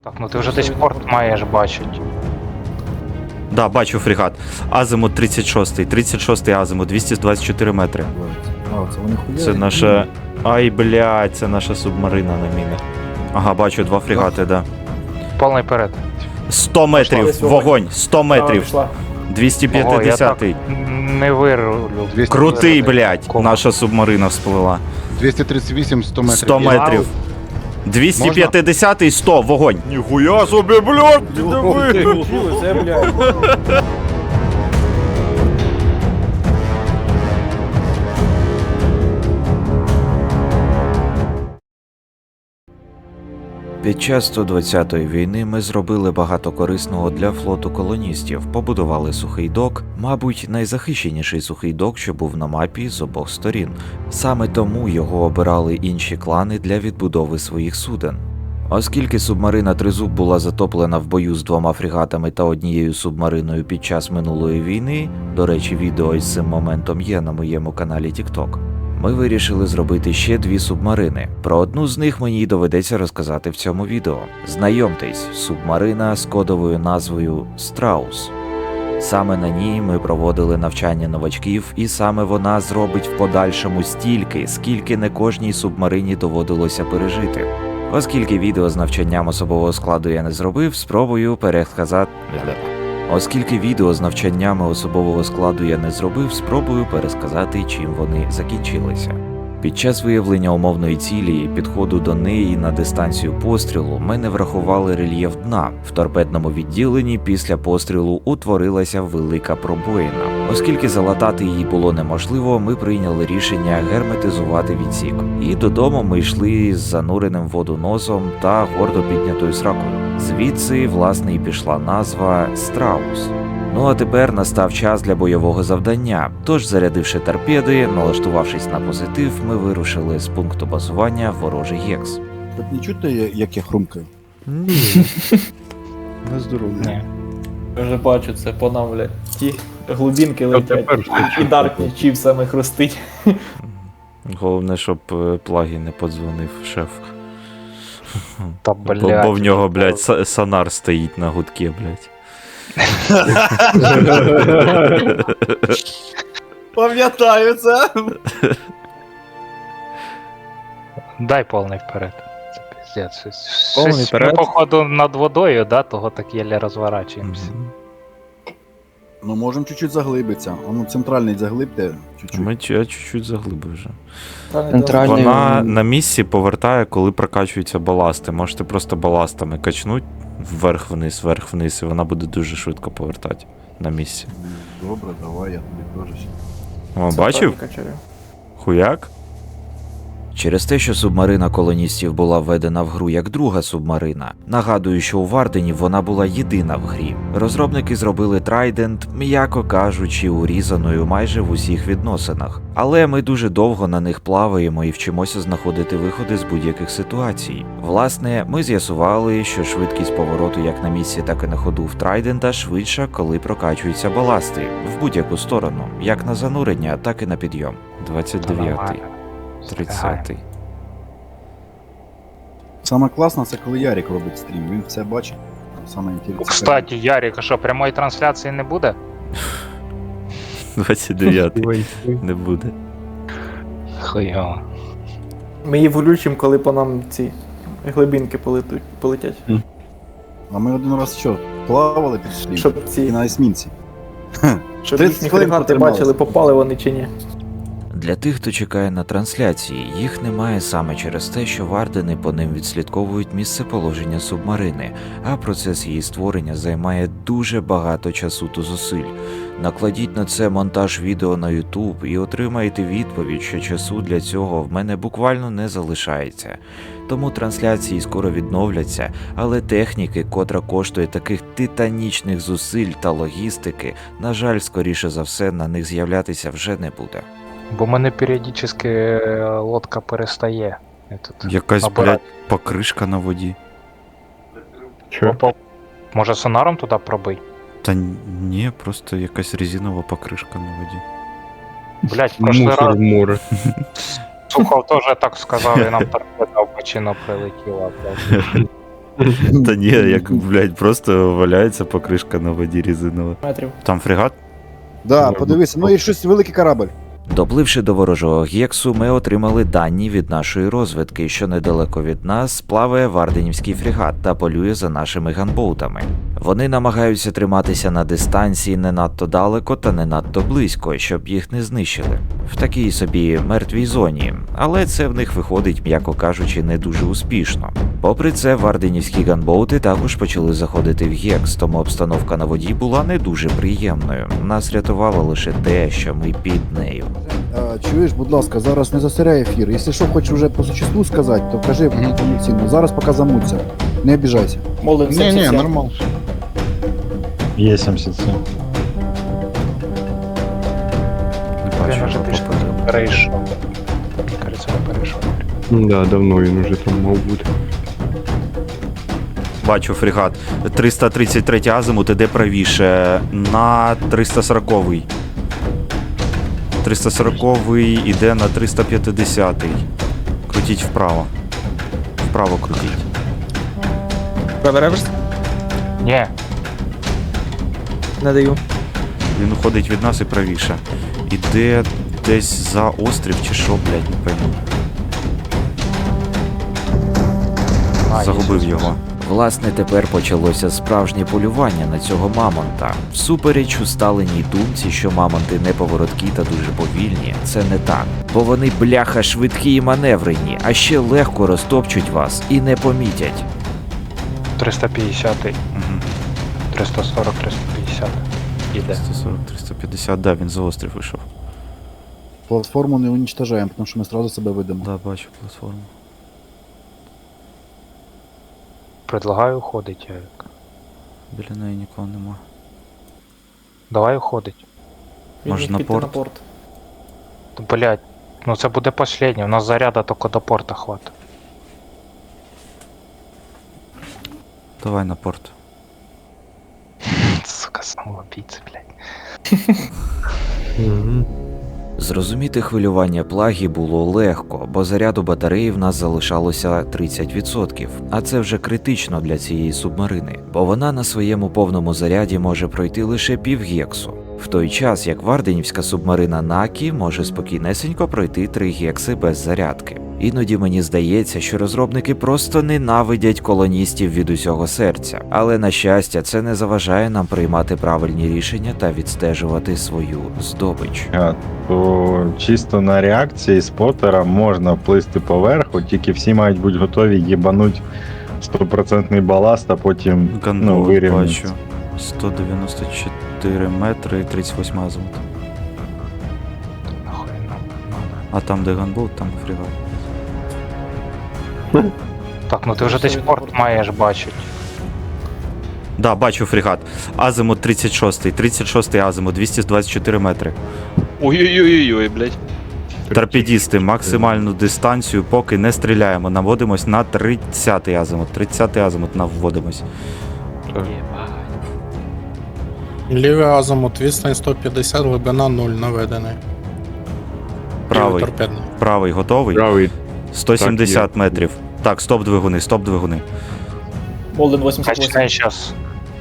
Так, ну ти вже десь порт маєш бачити. Да, бачу фрегат. Азимут 36-й. 36-й азимут, 224 метри. А, це вони хуярять? Це наша. Ай, блядь, це наша субмарина на мінах. Ага, бачу два фрегати, да. Повний перед. 100 метрів, Десь вогонь, 100 метрів. Пішла. 250-й. Не вирулю. Крутий, блядь, наша субмарина всплила. 238, 100 метрів. 100 метрів. 250-й, 100, вогонь. Ніхуя собі, блядь, ти диви. Це, блядь. Під час 120-ї війни ми зробили багато корисного для флоту колоністів, побудували сухий док, мабуть, найзахищеніший сухий док, що був на мапі з обох сторін. Саме тому його обирали інші клани для відбудови своїх суден. Оскільки субмарина Тризуб була затоплена в бою з двома фрегатами та однією субмариною під час минулої війни, до речі, відео із цим моментом є на моєму каналі TikTok, ми вирішили зробити ще дві субмарини. Про одну з них мені й доведеться розказати в цьому відео. Знайомтесь, субмарина з кодовою назвою Страус. Саме на ній ми проводили навчання новачків, і саме вона зробить в подальшому стільки, скільки не кожній субмарині доводилося пережити. Оскільки відео з навчанням особового складу я не зробив, спробую пересказати... Оскільки відео з навчаннями особового складу я не зробив, спробую пересказати, чим вони закінчилися. Під час виявлення умовної цілі і підходу до неї на дистанцію пострілу ми не врахували рельєф дна. В торпедному відділенні після пострілу утворилася велика пробоїна. Оскільки залатати її було неможливо, ми прийняли рішення герметизувати відсік. І додому ми йшли з зануреним в воду носом та гордо піднятою сракою. Звідси, власне, і пішла назва Страус. Ну а тепер настав час для бойового завдання. Тож, зарядивши торпеди, налаштувавшись на позитив, ми вирушили з пункту базування в ворожий гекс. Так не чути, як я хрумкаю? Ні. На здоров'я. Ні. Я вже бачу це по нам, блядь. Ті глибінки летять. І Даркні чіпсами хрустить. Головне, щоб плагі не подзвонив шеф. Та, блядь. Бо в нього, блядь, сонар стоїть на гудке, блядь. Пам'ятаю це. Дай повний вперед. Це пиздец. Повний Щось вперед? Ми, походу, над водою, да, того так єлі розворачуємося. Ну, можемо чуть-чуть заглибитися. А ну, центральний заглибте чуть-чуть. Я чуть-чуть заглибив вже. Центральний. Вона на місці повертає, коли прокачуються баласти. Можете просто баластами качнуть вверх-вниз, і вона буде дуже швидко повертати на місці. Добре, давай, я тобі теж. О, бачив? Хуяк? Через те, що субмарина колоністів була введена в гру як друга субмарина, нагадую, що у Вардені вона була єдина в грі. Розробники зробили Трайдент, м'яко кажучи, урізаною майже в усіх відносинах. Але ми дуже довго на них плаваємо і вчимося знаходити виходи з будь-яких ситуацій. Власне, ми з'ясували, що швидкість повороту як на місці, так і на ходу в Трайдента швидша, коли прокачуються баласти. В будь-яку сторону, як на занурення, так і на підйом. 29-й. 30-й. Саме класно, це коли Ярик робить стрім, він все бачить. Саме інтересне. Кстати, Ярик, а що, прямої трансляції не буде? 29-й. Не буде. Хуйово. Ми її влючимо, коли по нам ці глибінки полетять. А ми один раз що, плавали під стрім? Щоб І ці, на есмінці. щоб 30 їхні хвилин фрегати протрималися. бачили, попали вони чи ні. Для тих, хто чекає на трансляції, їх немає саме через те, що вардени по ним відслідковують місцеположення субмарини, а процес її створення займає дуже багато часу та зусиль. Накладіть на це монтаж відео на YouTube і отримаєте відповідь, що часу для цього в мене буквально не залишається. Тому трансляції скоро відновляться, але техніки, котра коштує таких титанічних зусиль та логістики, на жаль, скоріше за все, на них з'являтися вже не буде. Бо мене періодично лодка перестає. Я тут Якась, обираю. блядь, покришка на воді. Опа. Може сонаром туди пробий? Та ні, просто якась резинова покришка на воді. Блять, в прошлый раз Сухов теж так сказав, і нам торпеда в бочину прилетіла, блядь. Та ні, як, блядь, просто валяється покришка на воді резинова. Метрів. Там фрегат? Да, подивися, ну і щось великий корабль. Допливши до ворожого гексу, ми отримали дані від нашої розвідки, що недалеко від нас плаває варденівський фрегат та полює за нашими ганбоутами. Вони намагаються триматися на дистанції не надто далеко та не надто близько, щоб їх не знищили. В такій собі мертвій зоні, але це в них виходить, м'яко кажучи, не дуже успішно. Попри це, варденівські ганбоути також почали заходити в гекс, тому обстановка на воді була не дуже приємною. Нас рятувало лише те, що ми під нею. Чуєш, будь ласка, зараз не засиряй ефір. Якщо що хочеш вже по существу сказати, то кажи повноцінно. Зараз поки замуться. Не обіжайся. Молин Ні, 77. нормально. Є 77. Не Він бачу, вже що пішов. попереду. Перейшов. Кажеться, не перейшов. Да, давно він уже там мав бути. Бачу фрегат. 333 азимут іде правіше на 340-й. 340-й іде на 350-й. Крутіть вправо. Вправо крутіть. Правий реверс? Ні, Не даю. Він уходить від нас і правіше. Іде десь за острів чи що, блядь, не пойму. Загубив його. Власне, тепер почалося справжнє полювання на цього мамонта. Всупереч усталеній думці, що мамонти неповороткі та дуже повільні, це не так. Бо вони бляха швидкі і маневрені, а ще легко розтопчуть вас і не помітять. 350-й, Угу. 340, 350. Іде. 140-350, да, він за острів вийшов. Платформу не уничтожаємо, тому що ми одразу себе видимо. Да, бачу платформу. Предлагаю уходить, Ярик. Біля неї нікого нема. Давай уходить. Він Може, міг на піти порт? на порт. Блять, ну це буде последнє, у нас заряда тільки до порта хватить. Давай на порт. Сука, самоубийца, блядь. Зрозуміти хвилювання плагі було легко, бо заряду батареї в нас залишалося 30%, а це вже критично для цієї субмарини, бо вона на своєму повному заряді може пройти лише півгексу, в той час як варденівська субмарина Накі може спокійнесенько пройти 3 гекси без зарядки. Іноді мені здається, що розробники просто ненавидять колоністів від усього серця, але на щастя це не заважає нам приймати правильні рішення та відстежувати свою здобич. То чисто на реакції спотера можна плисти поверху, тільки всі мають бути готові їбануть 100% баласт, а потім Ганбоут вирівняться. бачу. 194 метри і 38 азимут. Нахуй нам надо. А там де ганбоут, там і фрегат. Так, ну ти вже десь порт маєш бачити. Да, бачу фрегат. Азимут 36 азимут, 224 метри. Ой-ой-ой-ой, блядь. Торпедісти, максимальну дистанцію, поки не стріляємо. Наводимось на 30-й азимут. 30-й азимут наводимось. Лівий азимут, відстань 150, глибина 0 наведений. Правий. Торпедний. Правий готовий. Правий. 170 Так, є. метрів. Так, стоп двигуни, стоп двигуни. Молин 88. Качне зараз.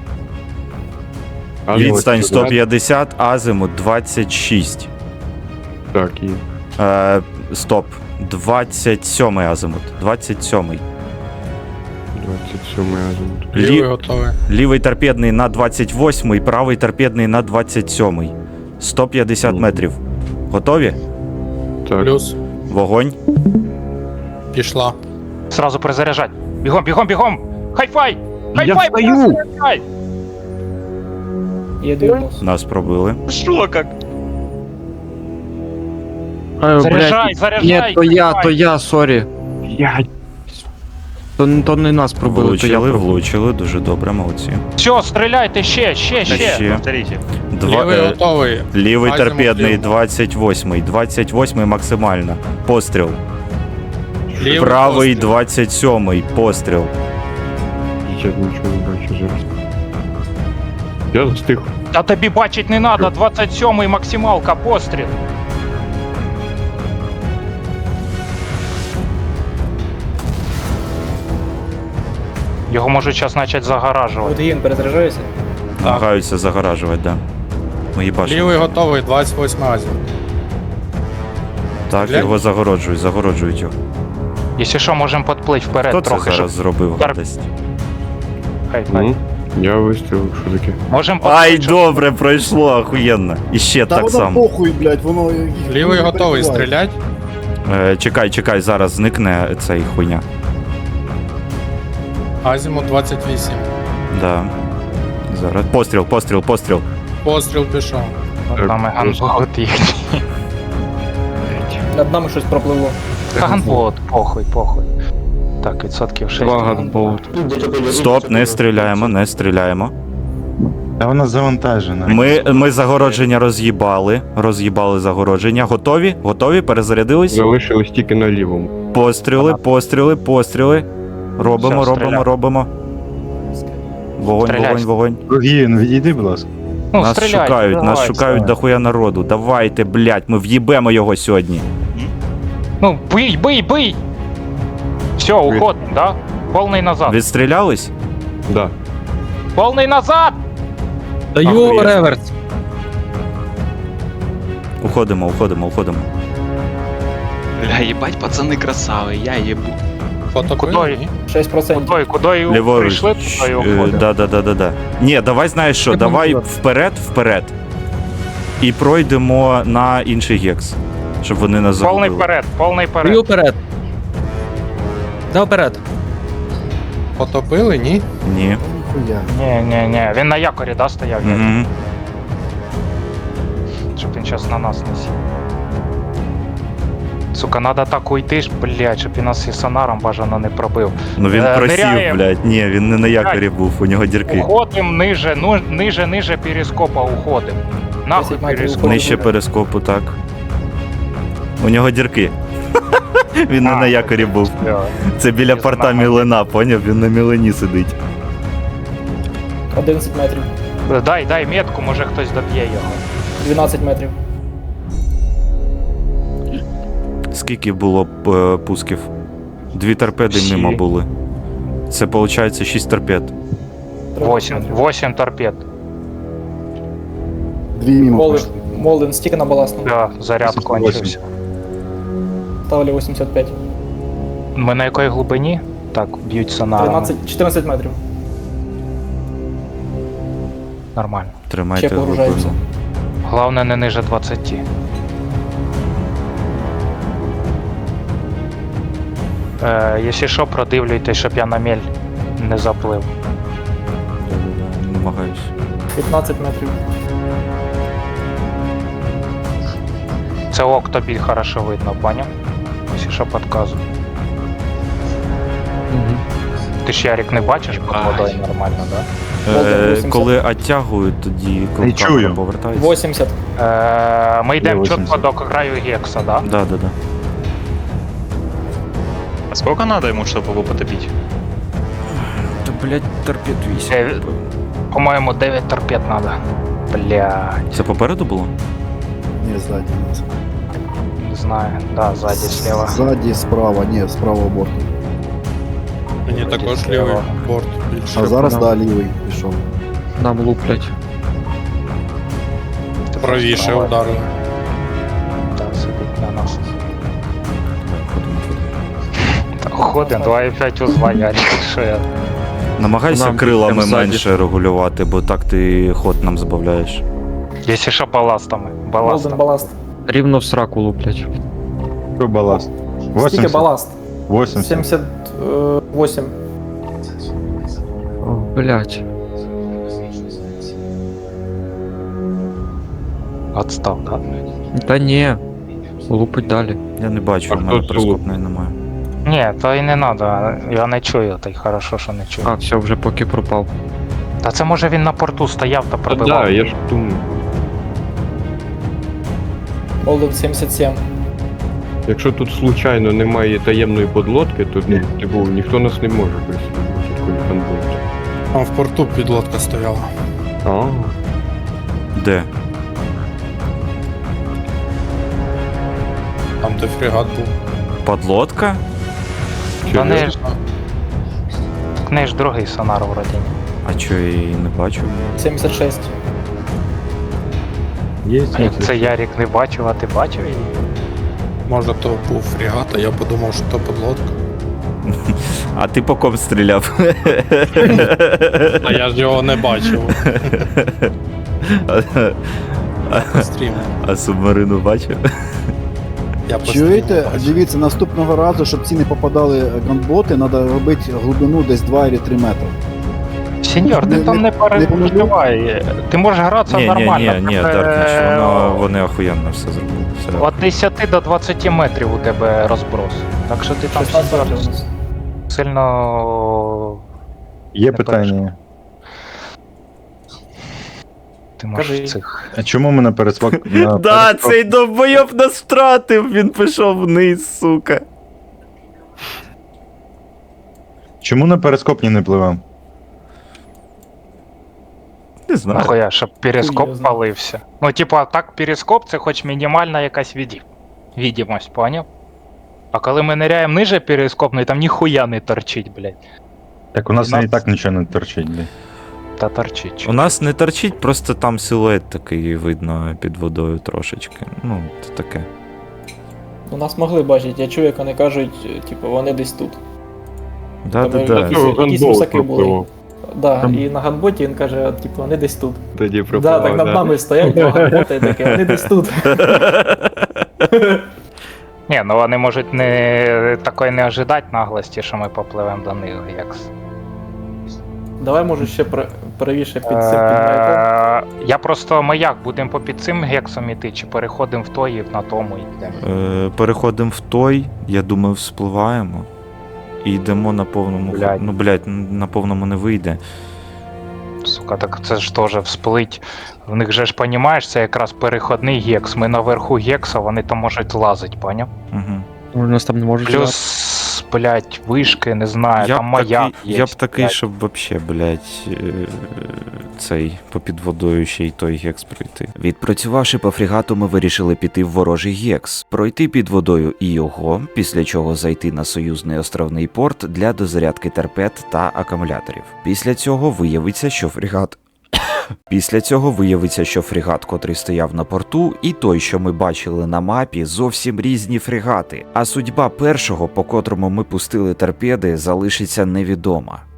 Відстань 150, азимут 26. Так, є. Стоп. 27 азимут. 27. 27 азимут. Лівий готовий. Лівий торпедний на 28, правий торпедний на 27. 150 метрів. Готові? Так. Плюс. Вогонь. Пішла. Сразу перезаряжать. Бігом, бігом, бігом! Хай-фай! Я Хай-фай! встаю! Хай-фай! Є 90. Нас пробили. Что как? Заряжай, заряжай! хай-фай! я, сорі. То не нас пробили, то я Влучили, пробив. влучили. Дуже добре, молодці. Все, стріляйте ще. Ще. Повторите. Лівий готовий. Лівий Азимут торпедний лівий. 28. 28 максимально. Постріл. Лівий Правий постріл. 27. Постріл. Я нічого не бачу зараз. Я застиг. Та тобі бачить не надо, 27-й максималка, постріл. Його можуть зараз почати загоражувати. От Ін перезаряджається. Намагаються загоражувати, да. Ми їбашимо. Лівий готовий, 28 азів. Так, Глянь. його загороджують його. Якщо що, можемо підплити вперед Хто це трохи, зараз зробив Тар- гадость? Хай. Я вистрілив, що таке? Можемо Ай, підплити. добре, пройшло, охуєнно. І ще Та так воно само. похуй, блядь, воно їх Лівий не готовий, перебиває. стрілять. Чекай, зараз зникне цей хуйня. Азімут 28. Да. Зараз. Постріл. Постріл пішов. Над нами ганбот їхній. Над нами щось пропливло. Ганбот, похуй. Так, відсотків 6. Стоп, не стріляємо. Та вона завантажена. Ми загородження роз'їбали загородження. Готові? Перезарядились? Залишились тільки на лівому. Постріли. Робимо. Стріляй. Вогонь. Рогін, відійди, будь ласка. Ну, Нас стріляйте, нас шукають дохуя народу. Давайте, блядь, ми в'їбемо його сьогодні. Ну, бий! Все, уходим, да? Повний назад. Відстрілялись? Да. Повний назад! Охуєть. реверс. Уходимо. Бля, їбать, пацани красаві, я їбу. Потопили? Кудою? Ні? 6%. Куди Ліворуч. прийшли, туди і уходимо. Да. Ні, давай знаєш що, давай вперед. І пройдемо на інший гекс. Щоб вони нас Повний загубили. вперед. вперед. Да, вперед. Потопили, ні? Ні. Ніхуя. Ні, він на якорі, да, стояв? Угу. Щоб він зараз на нас не сів. Сука, надо так уйти ж, блядь, щоб він нас і сонаром бажано не пробив. Ну він просів, ниряєм. блядь. Ні, він не на якорі був, у нього дірки. Уходим ниже перископа уходим. Нахуй 10 метрів перископ. уходимо. Нижче перископу, так. У нього дірки. Він не на якорі був. Це біля порта Мілена, поняв? Він на Мілені сидить. 11 метрів. Дай метку, може хтось доб'є його. 12 метрів. Скільки було пусків? 2 торпеди Всі. мимо були. Це виходить 6 торпед. 8 торпед. 2 мимо пошли. Молден, стільки на баласному. Да, заряд кончився. Ставлю 85. Ми на якій глибині? Так, б'ють сонаром. 14 метрів. Нормально. Тримайте Ще погружаємося. глибину. Головне не ниже 20. Якщо що, продивлюйте, щоб я на мель не заплив. Да, намагаюсь. 15 метрів. Це ок тобі хорошо видно, поняв? Якщо що, підказую. Ти ж Ярик не бачиш під водою нормально, да? Володя, 80. Коли оттягують, тоді Не чую. повертається. 80. Ми йдемо 80. чітко до краю гекса, да? Да. А сколько надо ему, чтобы его потопить? Та, блядь, торпед 8. По-моєму, 9 торпед надо. Блядь, Це попереду було? Ні, ззаді. не знаю. Да, ззаді, слева. Ззаді, справа, ні, з правого борту. Мені також лівий борт більше. А зараз, да, лівий пішов. Нам луплять. Правіше ударили. Так, сидить на нас. Ходим, 2,5 узла, Ярик, що я. Намагайся Нам крилами прям ззаді. менше регулювати, бо так ти ход нам збавляєш. Якщо що, баластами. Молден, баласт. Рівно в сраку луплять. Що баласт? Скільки 80? баласт? 80. 78. О, блять. Отстав, да? Та ні. Лупить далі. Я не бачу, А у мене хто це перископної немає. Ні, то і не надо, я не чую, та й хорошо, що не чую. А, все, вже поки пропав. Та це може він на порту стояв та Та пробивав. да, я ж думаю. Молден 77. Якщо тут случайно немає таємної подлодки, то ну, типу, ніхто нас не може присутнути. Такий фанбот. Там в порту підлодка стояла. А, Де? Там де фрегат був. Подлодка? Та не серйозно? ж. В неї ж другий сонар вроді. ні? А чо я її не бачу? 76. Є А як це Ярік не бачив, а ти бачив її? Може то був фрегат, а я подумав, що то подлодка. А ти по ком стріляв? А я ж його не бачив. По стріму. А субмарину бачив? Я по стріму Чуєте? бачив. Дивіться, наступного разу, щоб ці не попадали ганботи, треба робити глибину десь 2 чи 3 метри. Сеньор, ти Не- там не не переживай. Ти можеш гратися нормально. Ні, тебе, Даркніч, вони охуєнно все зробили. Все. От 10 до 20 метрів у тебе розброс. Так що ти там 16 сеньор, у нас. сильно. Є Не питання. Ти можеш Кажи. цих. А чому ми на пересвак... на Да, перескок- цей довбойоб нас втратив, він пішов вниз, сука. Чому на перископні не пливемо? Не знаю. Нахуя, щоб перископ Хуй його знає. палився. Ну, типа, так перископ це хоч мінімальна якась відомість, поняв? А коли ми ниряємо ниже перископної, там ніхуя не торчить, блядь. Так у нас Нас- і так нічого не торчить, блядь. Та торчить. У нас не торчить, просто там силует такий видно під водою трошечки. Ну, це таке. У нас могли бачити, я чую, як вони кажуть, типу, вони десь тут. Да-да-да. Якісь русаки були. пропливав. Да, Там- і на ганботі він каже, типу, вони десь тут. Тоді Да, пропливав, так над нами стоять два ганботи і таке, вони десь тут. Ні, ну вони можуть не такої не ожидати наглості, що ми попливемо до них, як. Давай, може, ще правіше під цим під маяком. Я просто маяк, будемо по під цим гексом іти, чи переходимо в той і на тому йдемо. Переходимо в той, я думаю, вспливаємо. І йдемо на повному. Блядь. Ну, блядь, на повному не вийде. Сука, так це ж теж всплить. В них же ж понімаєш, це якраз переходний гекс. Ми наверху гекса, вони там можуть лазити, поняв? Угу. У нас там не можуть Плюс, блядь, вишки, не знаю, там маяк є. Я б такий, блядь. щоб вообще, блядь, цей попід водою ще й той гекс пройти. Відпрацювавши по фрегату, ми вирішили піти в ворожий гекс, пройти під водою і його, після чого зайти на союзний островний порт для дозарядки торпед та акумуляторів. Після цього виявиться, що фрегат, котрий стояв на порту, і той, що ми бачили на мапі, зовсім різні фрегати. А судьба першого, по котрому ми пустили торпеди, залишиться невідома.